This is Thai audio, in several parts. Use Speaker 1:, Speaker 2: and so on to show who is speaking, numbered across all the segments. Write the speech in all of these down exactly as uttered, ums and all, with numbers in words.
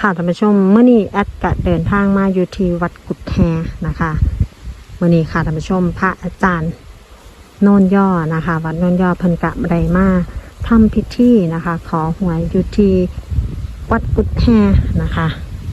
Speaker 1: ค่ะท่านผู้ชมเมื่อนี้แอดกะเดินทางมาอยู่ที่วัดกุดแฮนะคะเมื่อนี้ค่ะท่านผู้ชมพระอาจารย์โนนย่อนะคะวัดโนนย่อเพิ่นกะไดมาทำพิธีนะคะขอหวยอยู่ที่วัดกุดแฮนะคะ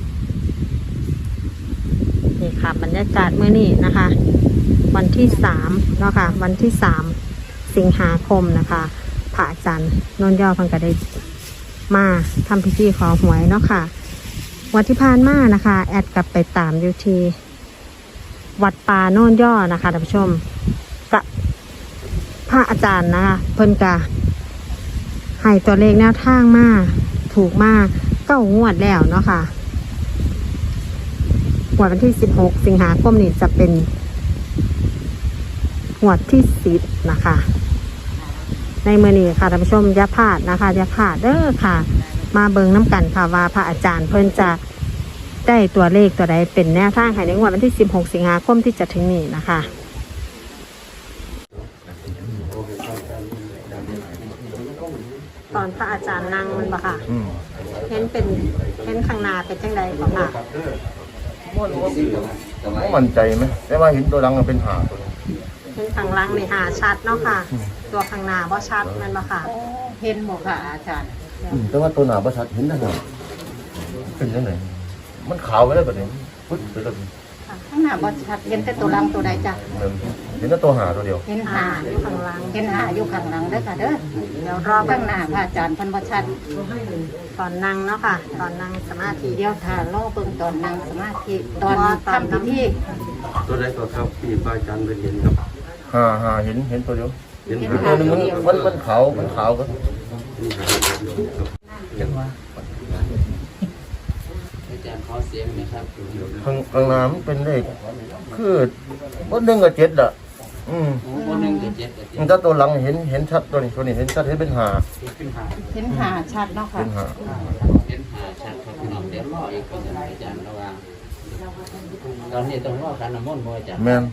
Speaker 1: นี่ค่ะบรรยากาศเมื่อนี้นะคะวันที่สามเนาะค่ะวันที่สามสิงหาคมนะคะพระอาจารย์โนนย่อเพิ่นกะได้มาทำพิธีขอหวยเนาะค่ะวันที่ผ่านมานะคะแอดกลับไปตามอยู่ที่วัดป่าโน่นย่อนะคะท่านผู้ชมกับพระอาจารย์นะคะเพิ่นกะให้ตัวเลขแนวทางมาถูกมาเก้างวดแล้วเนาะค่ะงวดวันที่สิบหกสิงหาคมนี้จะเป็นงวดที่สิบนะคะในมื้อนี้ค่ะท่านผู้ชมอย่าพลาดนะคะอย่าพลาดเด้อค่ะมาเบิ่งน้ำกันค่ะว่าพระอาจารย์เพิ่นจะได้ตัวเลขตัวใดเป็นแนวทางให้ในงวดวันที่สิบหกสิงหาคมที่จะถึงนี้นะคะตอนพระอาจารย์นั่งมันบ่ค่ะเห็นเป็นเห็นข้างหน้าเป็นจังใดบ่ค่ะ
Speaker 2: มั่นใจไหมแต่ว่าเห็นตัวหลังมันเป็นหาตัว
Speaker 1: เห็นข้างหลังนี่หาชัดเนาะค่ะตัวข้างหน้าบ่ชัดแม่นบ่ค่ะ
Speaker 3: เห็นหมดค่ะอาจารย์
Speaker 2: แต่ว่าตัวหนาประชัดเห็นได้ไงเป็นยังไงมันขาวไปแล้วแบบนี้ปึ๊บไปแล้ว
Speaker 3: ข้างหน้าบ่ชัดเห็นแต่ตัวลังตัวใดจ้ะ
Speaker 2: เห็นแต่ตัวหาตัวเดียว
Speaker 3: เห็น
Speaker 1: หา
Speaker 3: หา
Speaker 1: อยู่ข้างหลัง
Speaker 3: เห็นหาอยู่ข้างหลังเด้อค่ะเด้อเดี๋ยวรอข้างหน้าพระอาจารย์เพันบ่ชัด
Speaker 1: ตอนนั่งเนาะค่ะตอนนั่งสมาธิ
Speaker 3: เดี๋ยวถ้ารอเบิ่งตอนนั่งสมาธิตอนทำพิธี
Speaker 4: ตัวใดตัวครับที่ป้าจันไปเห็นครับ
Speaker 2: หาหาเห็นเห็นตัวเดียว
Speaker 4: เห็น
Speaker 2: อีก
Speaker 4: หา
Speaker 2: ตัวหนึงมันมันมันขาวมันขาวก็
Speaker 4: นี่หาเดียวครับ
Speaker 5: อาจารย์ขอเสียงนะครับ
Speaker 2: ข้างข้างหน้ามันเป็นเลขคือวันหนึ่งกับเจ็ดอ่ะอืม
Speaker 5: โอ้โหหนึ่งกับเจ็ดกับเจ็ด
Speaker 2: ถ้าตัวหลังเห็นเห็นชัดตัวนี้ตัวนี้เห็นชัดเห็นเป็นหา
Speaker 5: ขึ้นหา
Speaker 3: เห็นหาชัดเนาะค่ะ
Speaker 2: เป็นหา
Speaker 5: เป็นหาชัดครับพี่น้องเดี๋ยวรออีกคนหนึ่งอาจารย์ระวังตอนนี้ต้องรอการน้ำมนต์บ่อาจารย์
Speaker 2: แม่น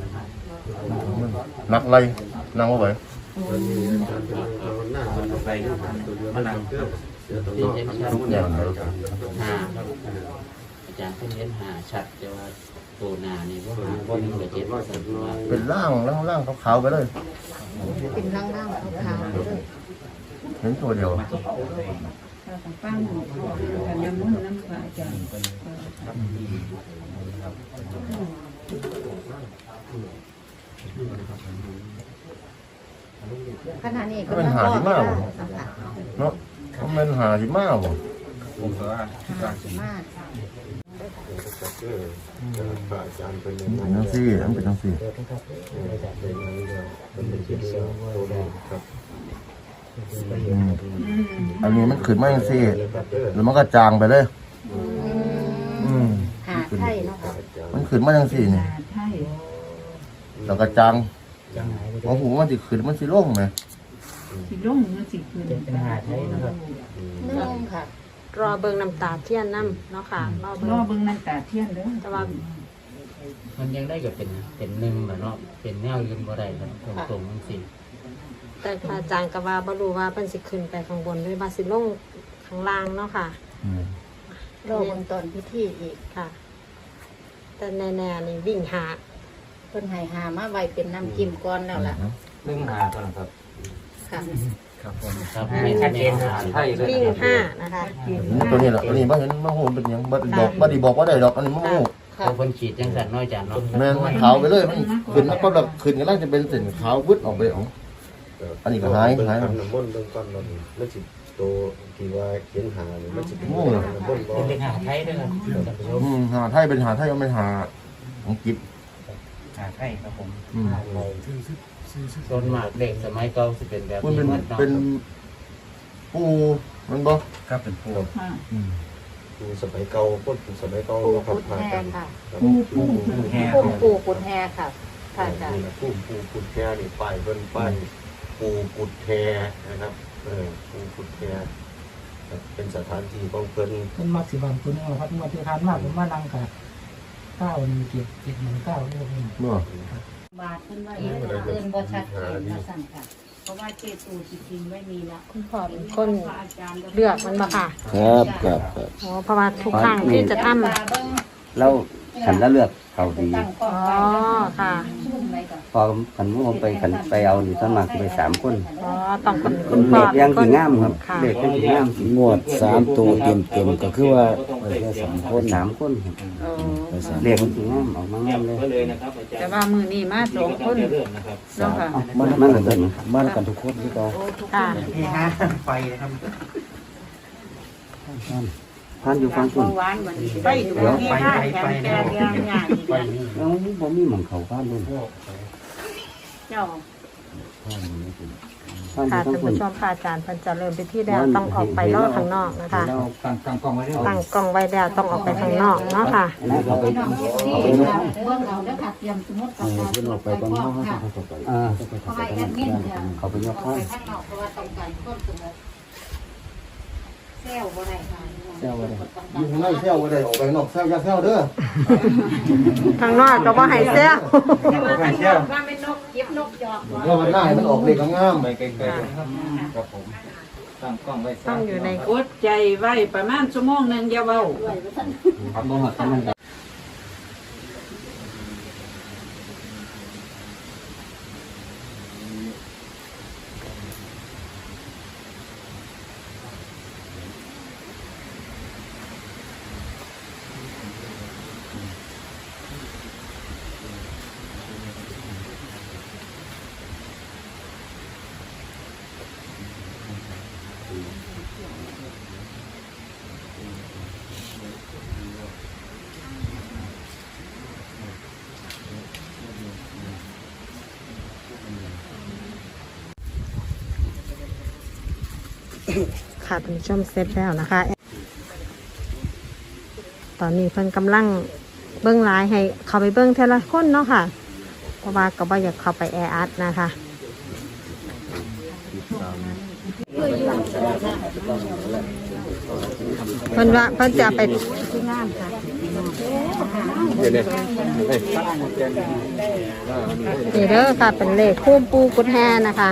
Speaker 2: นักไล่นั่งว่าไหว
Speaker 4: วันนี้อาจารย์จะเอาหน้ามันไปตัวเดียวมันเกือบเดี๋ยวต้องรอคำพูดจากอาจารย์
Speaker 5: หาครับอาจารย์เพิ่งเห็นหาชัดแต่ว่าตัวหนานี่ว่าหาว่าหนึ่งกับเจ็ดว่าสันว่า
Speaker 2: เป็นร่างร่างร่างขาวๆไปเลย
Speaker 3: เป็นล่างๆขาวๆเด้อ
Speaker 2: เห็นตัวเดียว
Speaker 3: ฟังกันน้ำมนต์น้ำพระอาจารย์ขณะนี้ก็
Speaker 2: เป็นหาที่มากเนาะมันเป็นหาที่มากบ่
Speaker 4: ผมก็
Speaker 3: หาสิมา
Speaker 4: เออป้าจันเป็นยัง
Speaker 2: เป็น
Speaker 4: ไง
Speaker 2: จังซี่มันเป็นจังซี่
Speaker 4: เป็นยังไงเป็นเป็นที่เสียงตัวแดงครับ
Speaker 2: อืมอันนี้มันขึ้นมาจังซี่แล้วมันก็จางไปเลย อืม
Speaker 3: หาไทยเนาะค่ะ
Speaker 2: มันขึ้นมาจังซี่นี่แล้วก็จางพอหูมันสิขึ้นมันสิลงไหม
Speaker 6: สิลงมันสิขึ้นเป็นหาไทยนะครับ
Speaker 3: นึ่งค่ะ
Speaker 1: รอเบิ่งน้ำตาเทียนน้ำเนาะค่ะรอเบิ่
Speaker 6: รอง เบิ่งน้ำตาเทียนเด้อ
Speaker 1: แต่ว่า
Speaker 5: มันยังได้กับเป็นเป็นหนึ่งแหละเนาะเป็นแนวยืนบ่ได้ครับตรงตรงๆสิ
Speaker 1: แต่พระอาจารย์ก็ว่าบ่รู้ว่าเพิ่นสิขึ้นไปข้างบนหรือว่าสิลงข้างล่างเนาะค่ะ
Speaker 2: อืม
Speaker 3: รอเบิ่งตอนพิธีอีก
Speaker 1: ค่ะ แต่แน่ๆนี่วิ่งหา
Speaker 3: เพิ่นให้หามาไว้เป็นน้ำจิ้มก่อนแล้วล่ะ
Speaker 5: หนึ่งหาก่อนครับ
Speaker 3: ค่ะ
Speaker 5: ครับผมครับไม่ชัดเจนหาไทยเลย
Speaker 1: วิ่งห้านะคะ
Speaker 2: ตัวนี้แหละตัวนี้บ่เห็นมาหูเป็นหยังบ่ได้บอกบ่ได้บอกว่าได้ดอกอันนี้มาหู
Speaker 5: เขาคนขีดจังสันน้อยอาจารย์เนาะ
Speaker 2: แม่นมันขาวไปเลยมันขึ้นมาก็แบบขึ้นกันแล้วจะเป็นเส้นขาววึดออกไปอ๋ออันนี้ก็หายหาย
Speaker 4: ทำน้ำมนต์เบื้องต้นมันมันสิตัวที่ว่าเขียนหาเนี่ยมันสิเป็นน้ำมนต์บ่
Speaker 5: เป็นหาไทยด้วยครับท่านผู้ชม
Speaker 2: อืมหาไทยเป็นหาไทยมันเป็นหาของกิบ
Speaker 5: หาไทยครับผม
Speaker 2: อืม
Speaker 5: ส่วนมากเด็กสมัยเก่าสิเป็นแบบ
Speaker 2: มัน
Speaker 5: นี้
Speaker 2: เป็น
Speaker 5: หมดเนาะ
Speaker 2: เป็นปูมันบ่
Speaker 5: ครับเป็นผู้
Speaker 6: ค่ะ
Speaker 2: อืม
Speaker 4: คือสมัยเก่าคนสมัยเก่า
Speaker 3: ปู
Speaker 4: เรา
Speaker 3: กุด
Speaker 4: ทำ
Speaker 3: แฮ
Speaker 4: กัน
Speaker 3: ค่ะ
Speaker 4: ปูปูปูแฮ
Speaker 3: พุ่มปูกุดแฮค่ะค่ะอาจารย์
Speaker 4: ปูปูกุดแฮนี่ป้ายเพิ่นป้ายปูกุดแฮนะครับเออปูกุดแฮเป็นสถานที่ของเพิ่น
Speaker 7: มันมักสิบันตัวนึงครับมาที่ทานมากผมมานั่งกับเก้าหนึ่งเจ็ดเจ็ดหนึ่งเก้าเรื่องนี้
Speaker 2: บ่
Speaker 3: บาทเพิ่นว่าอีกเอิ้นบ่ชัดเจนว่าสั่นค่ะ
Speaker 6: เพราะว่าเจตูจริงๆไม่มีละ
Speaker 1: คุณพ่อเป็นคนเลือกมันมาค่ะ
Speaker 2: ครับครับครับ
Speaker 1: อ๋อเพราะว่าทุกครั้งที่จะทำ
Speaker 8: แล้วขันแล้วเลือกเขาดี
Speaker 1: อ๋อค่ะ
Speaker 8: พอขันพวกผมไปขันไปเอานี่ส่วนมากจะไปสามคน
Speaker 1: อ๋อต้องเป็นคุณพ่
Speaker 8: เด็
Speaker 1: อก
Speaker 8: ยัง
Speaker 1: เป็น
Speaker 8: สีงามครับ
Speaker 1: ค่ะ
Speaker 8: เด็กยังสีงาม
Speaker 2: งวดสามตัวเต็มเต็มๆก็คือว่าไปแค่สามคน
Speaker 8: สามคนครับ
Speaker 6: เออ
Speaker 2: ไปสาม
Speaker 8: เด็กมันสีงามออกมางามเลย
Speaker 6: แต่ว่ามือนี้มาสองคนเนาะค่ะ
Speaker 8: มันมันเหมือนกัน
Speaker 2: บ้านกันทุกคนที่เรา
Speaker 1: ค่ะ
Speaker 7: นี่ฮะไฟนะครับ
Speaker 8: ท่านอยู่ฟังคุณ
Speaker 6: เมื่อวานวันนี้ไปดูที่ห้าแกนแกนยางใหญ่
Speaker 8: แล้วผมมีหมองเขาบ้านด้วย
Speaker 6: เจ้า
Speaker 8: ท่านอ
Speaker 1: ค่ะ
Speaker 8: ยู่ฟัง
Speaker 1: ท่าน
Speaker 8: คุ
Speaker 1: ผู้
Speaker 8: ณ
Speaker 1: ชมค่ะอาจารย์เพิ่นจะเริ่มไปที่แล้วต้องออกไปรอข้างนอกนะคะ
Speaker 8: แล้ว
Speaker 7: ตั้งตั้งกล้องไว้ด้วย
Speaker 1: ตั้งกล้องไว้แล้วต้องออกไปข้างนอกเนาะค่ะ
Speaker 8: อันนี้เขาไปเอาไปยก
Speaker 9: เบื้องเอาแล้วค่ะเตรียมสมมติ
Speaker 2: เออเพิ่นออกไปตอนน้องเขาจะไป
Speaker 8: อ่า
Speaker 9: ขอให้แอดมินเถอะ
Speaker 8: เขาไปยก
Speaker 9: ออก
Speaker 8: ข้า
Speaker 9: ไป
Speaker 8: ง
Speaker 9: ข้างนอกเพราะว่าต้องการต้นสมมติเซลล์บ่ได้ค่ะ
Speaker 8: เจ้าอะไร
Speaker 2: อยู่ข้างในเที่ยวก็ได้ออกไปนอกเที่ยวอย่าเที่ยวเด้อ
Speaker 1: ข้างนอกก็บ่ให้เซล
Speaker 7: ไม่เที่ยว
Speaker 9: ว่าเป็นนกเก็บนกหยอก
Speaker 2: เที่ยวมันได้มันออกเด็กงาม
Speaker 7: ไปไกลๆครับครับผมตั้งกล้องไว้
Speaker 1: ต้องอยู่ใน
Speaker 6: อดใจไว้ประมาณชั่วโมงหนึ่งอย่าเบา
Speaker 8: ครับบ่หักกันนั่นครับ
Speaker 1: ค่ะท่านผู้ชมเสร็จแล้วนะคะ ตอนนี้เพิ่นกำลังเบิ้งไลน์ให้เข้าไปเบิ้งเทละคนเนาะค่ะ เพราะว่าก็บ่อยากเข้าไปแออัดนะคะ เพิ่นว่าเพิ่นจะไปนี่เด้อค่ะเป็นเลขคู่ปูกุดแฮนะคะ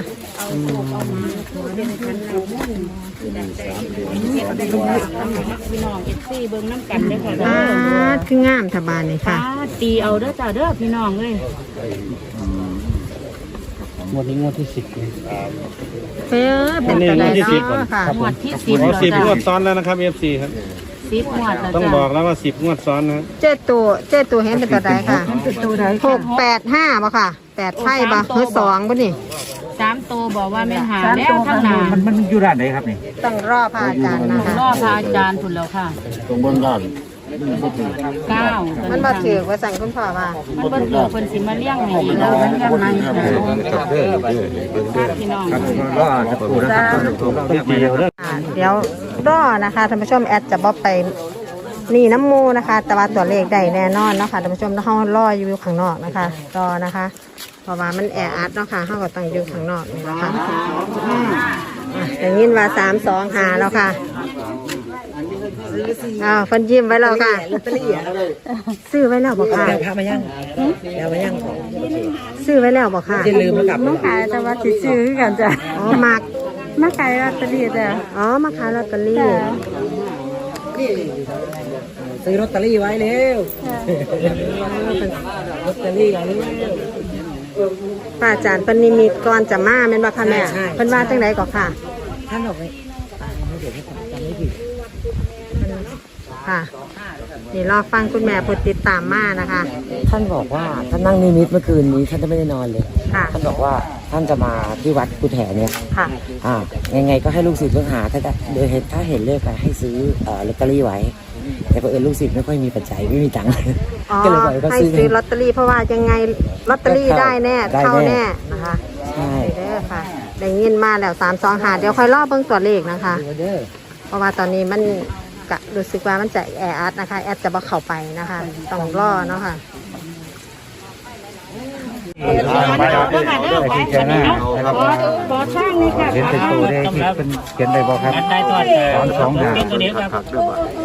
Speaker 6: พี่น้องเอฟซีเบิ้งน้ำกันเด้อค่ะ
Speaker 1: อ่าคืองามทบานเลยค่ะ
Speaker 6: ตีเอาเด้อจ้าเด้อพี่น้องเลย
Speaker 8: งวดนี้งวดที่สิบเลย
Speaker 1: เฟ้อเป็นกระไดเนาะค่ะ
Speaker 6: หมวดที่สิบ
Speaker 10: อ๋อสิบ
Speaker 6: จ้าง
Speaker 10: วดซ้อนแล้วนะครับ เอฟ ซี ครับ
Speaker 6: สิบหมวดแล้ว
Speaker 10: ต้อง
Speaker 6: จ้า
Speaker 10: บอกแล้วว่าสิบงวดซ้อนนะ
Speaker 1: เจ้ตัวเจ้ตัวเห็นเป็นกระไดค่ะหกแปดห้าบ่ค่ะแปดไพ่บ่หรือสองบ่นี่
Speaker 6: สามตัวบอกว่าแม่นหาแล้วทั้งหนา
Speaker 7: มันมันอยู่ด้านไหนครับนี่
Speaker 1: ต้องรอพระอาจารย์นะคะ
Speaker 6: รอพระอาจารย์ผุนแล้วค่ะ
Speaker 2: ตรงบนด้าน
Speaker 6: เก้า
Speaker 1: มันบ่ถือว่าสั่งคุณพ่อว่า
Speaker 6: มันบ่ถือคนสิมาเลี้ยงให้อีกแล้วมันยังไงพี่น้อง
Speaker 7: ก็จะพูดนะครับต้องเดียวเด้อ
Speaker 1: อ่าเดี๋ยวรอนะคะท่านผู้ชมแอดจะบ่ไปนี่น้ำมูนะคะ แต่ว่าตัวเลขได้แน่นอนเนาะค่ะท่านผู้ชมเฮารออยู่ข้างนอกนะคะรอนะคะ เพราะว่ามันแออัดเนาะค่ะเฮาก็ต้องอยู่ข้างนอกนี่นะคะอ่ะได้ยินว่าสามสองหาแล้วค่ะอ้าวเพิ่นยิ้มไว้แล้วค่ะซื้อไว้แล้วบ่ค่ะ
Speaker 7: เดี๋ยวพามายังเดี๋ยวมายัง
Speaker 1: ซื้อไว้แล้วบ่ค่ะ
Speaker 7: อย่าลืมนะครับ
Speaker 1: มาขายแต่ว่าสิซื้อคือกันจ้ะอ๋อมักมาขายลอตเตอรี่จ้ะอ๋อมาขายลอตเตอรี่
Speaker 7: ซื้อลอตเตอรี่ไว้เร็วลอตเตอรี่ไว้เร็ว
Speaker 1: ป้าอาจารย์เพิ่นนิมิตก่อนจะมาแม่นบ่ค่ะแม่
Speaker 7: ใช่
Speaker 1: เพิ่นว่าจังไดก็ค่ะ
Speaker 7: ท่านบอกเลยเดี๋ยวจำไม่ผิด
Speaker 1: ค่ะนี่รอฟังคุณแม่ผู้ติดตามมานะคะ
Speaker 11: ท่านบอกว่าท่านนั่งนิมิตเมื่อคืนนี้ท่านจะไม่ได้นอนเลย
Speaker 1: ค่ะ
Speaker 11: ท่านบอกว่าท่านจะมาที่วัดกุฎแห่เนี่ย
Speaker 1: ค่ะ
Speaker 11: อ่ายังไงก็ให้ลูกศิษย์ลูกหาถ้าได้โดยเห็นถ้าเห็นเลขอะให้ซื้อเอ่อลอตเตอรี่ไว้ แต่บังเอิญลูกศิษย์ไม่ค่อยมีปัจจัยไม่มีตังค์
Speaker 1: อ๋อ
Speaker 11: ก็เลยบอกให้เขา
Speaker 1: ให้
Speaker 11: ซื้อ
Speaker 1: ซื้อลอตเตอรี่เพราะว่ายังไงลอตเตอรี่ได้แน่
Speaker 11: ได้แน่
Speaker 1: เข้าแน่นะคะ
Speaker 11: ใช่
Speaker 1: เด้อค่ะได้ยินมาแล้วสามสองหาเดี๋ยวค่อยรอเบิ่งตัวเลขนะคะ
Speaker 11: เด้อ
Speaker 1: เพราะว่าตอนนี้มันกะรู้สึกว่ามันจะแออัดนะคะ แอดจะบ่เข้าไปนะคะ ต้องรอเนาะค่ะ
Speaker 7: ที่เจ้าหน้านะครับ
Speaker 6: ขอช่างนี่ค่ะ
Speaker 7: เขียนเป็นตัวได้ที่เป็นเขียนได้บอกครับสองสองหา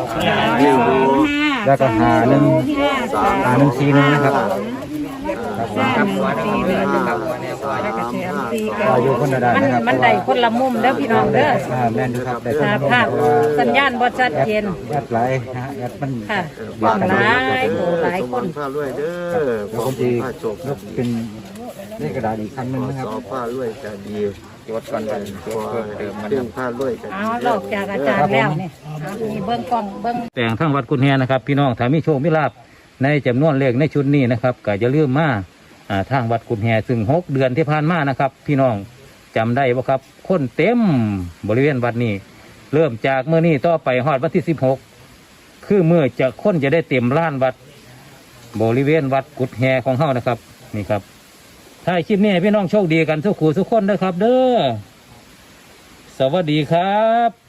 Speaker 7: แล้วก็หาหนึ่งหาหนึ่งสี่หนึ่งนะครับครับ
Speaker 3: ครับหัวนะครับแล้วก็เสียมซีกัน
Speaker 8: อยู่คนละด้าน
Speaker 1: มัน
Speaker 8: นะครับ
Speaker 1: มันได้คนละมุมเด้อพี่น้องเด้อ
Speaker 8: อ่าแม่นอยู่ครับได้
Speaker 1: อ่าภาพสัญญาณบ่ชัดเจน
Speaker 8: แอดไลน์นะฮะแอดมัน
Speaker 1: ค่ะหลายโหหลายคน
Speaker 4: ผ้าด้วยเด้อ
Speaker 8: แล้วคนที่
Speaker 4: ผ้าโจก
Speaker 8: ยกเป็นเลขกระดาษอีกครั้งหนึงนะครับ
Speaker 4: สอผ้าด้วยจะดี
Speaker 8: จดก่อนกันจดเพิ่มเติมมัน
Speaker 4: เรื่องผ้าด้วยจะ
Speaker 1: เอาลอกจากอาจารย์แล้วนี่เอามีเบิ้งกล้องเบิ้ง
Speaker 12: แต่งทั้งวัดกุนแฮนะครับพี่น้องถ้ามีโชคมีลาภในจำนวนเลขในชุดนี้นะครับก็จะเลื่อมมาอ่าทางวัดกุนแฮซึ่งหกเดือนที่ผ่านมานะครับ พี่น้องจำได้บ่ครับคนเต็มบริเวณวัดนี้ เริ่มจากเมื่อนี้ต่อไปฮอดวันที่สิบหกคือเมื่อจะคนจะได้เต็มล้านวัดบริเวณวัดกุดแฮของเฮานะครับนี่ครับถ้าคลิปนี้ให้พี่น้องโชคดีกันทุกคู่ทุกคนนะครับ เด้อสวัสดีครับ